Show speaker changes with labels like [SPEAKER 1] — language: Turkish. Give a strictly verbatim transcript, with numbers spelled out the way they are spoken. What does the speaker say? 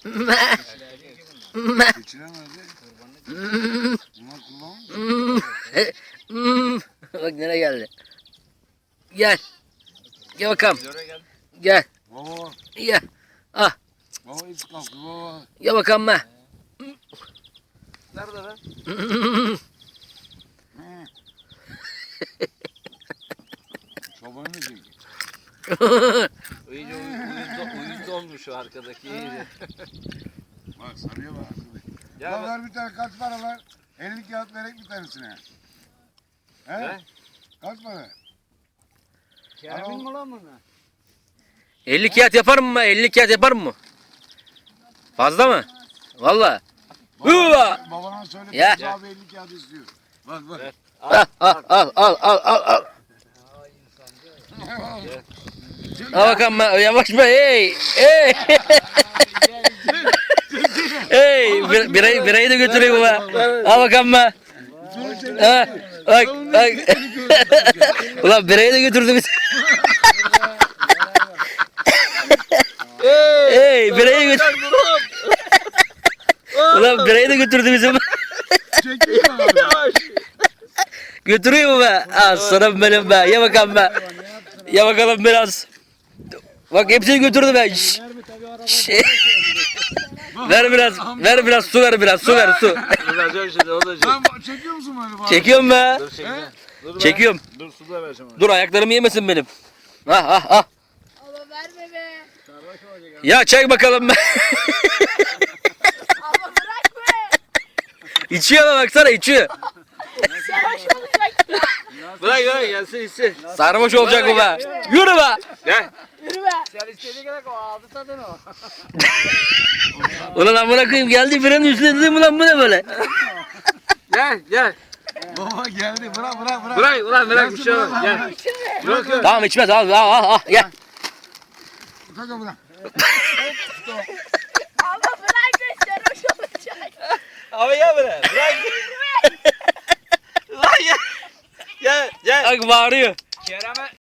[SPEAKER 1] Geçiren nerede? Bunlar kullanmış.
[SPEAKER 2] Bak nereye geldi. Gel. Gel bakalım. Gel.
[SPEAKER 1] Baba.
[SPEAKER 2] Gel. Ah.
[SPEAKER 1] Baba hiç kalktı baba.
[SPEAKER 2] Gel bakalım be.
[SPEAKER 3] Nerede lan?
[SPEAKER 1] Çobanı da çek.
[SPEAKER 3] İyice uyuz, uyuz olmuş o arkadaki iyice.
[SPEAKER 1] Bak sarıya bak.
[SPEAKER 3] Ya
[SPEAKER 1] Ya
[SPEAKER 3] bak-
[SPEAKER 1] ver bir tane kaç para ver? elli kağıt verek bir tanesine. He?
[SPEAKER 3] Ne?
[SPEAKER 1] Kaç para?
[SPEAKER 3] Kerem'in mi lan bunu?
[SPEAKER 2] elli kağıt yapar mı? elli kağıt yapar mı? Fazla mı? Valla. Hıva!
[SPEAKER 1] Babana, babana söyle
[SPEAKER 2] Ya.
[SPEAKER 1] ya. Abi elli kağıt istiyor. Bak bak.
[SPEAKER 3] Evet.
[SPEAKER 2] Al al al al al al al. Al bakalım ben. Yavaş be. Hey. Hey. Hey. Bir, birayı, birayı da götüreyim be. Al bakalım be. Ha, bak bak. Ulan birayı da götürdü bizi. Hey. Birayı götürdü. Ulan birayı da götürdü bizi.
[SPEAKER 1] Çekeyim mi abi?
[SPEAKER 2] Götürüyor mu be? Aslanım benim be. Ye bakalım be. Ye bakalım biraz. Bak hepsini götürdü be. Şş. Şş. Ver biraz. Ver biraz su ver biraz. Su ver su.
[SPEAKER 3] Duracak şimdi o da çek.
[SPEAKER 1] Sen çekiyor musun böyle baba?
[SPEAKER 2] Çekiyorum be.
[SPEAKER 3] Dur çekme. Dur be.
[SPEAKER 2] Çekiyorum.
[SPEAKER 3] Dur su da vereceğim ona.
[SPEAKER 2] Dur ayaklarımı yemesin benim. Ah ah ah.
[SPEAKER 4] Ama verme be.
[SPEAKER 2] Ya çek bakalım be.
[SPEAKER 4] Ama bırak be.
[SPEAKER 2] İçiyor ama baksana içiyor.
[SPEAKER 4] Sarhoş olacak.
[SPEAKER 3] Bırak bırak gelsin içsin.
[SPEAKER 2] Sarhoş olacak bu be. Yürü be.
[SPEAKER 3] Gel.
[SPEAKER 4] Yürü be.
[SPEAKER 3] Sen istediğin kadar o aldı tadını o.
[SPEAKER 2] Ulan amına koyayım geldi biranın üstüne dedim ulan bu ne böyle?
[SPEAKER 3] Gel gel.
[SPEAKER 1] Baba geldi bırak bırak bırak.
[SPEAKER 3] Bırak ulan bırak bir şey olmaz. Gel. Yok yok.
[SPEAKER 2] Tamam içmez al al al al gel.
[SPEAKER 1] Kanka bırak.
[SPEAKER 4] Ama bırak be sarhoş olacak.
[SPEAKER 3] Abi ya bırak. Bırak. Lan gel. Gel gel.
[SPEAKER 2] Bak bağırıyor.
[SPEAKER 3] Kerem'e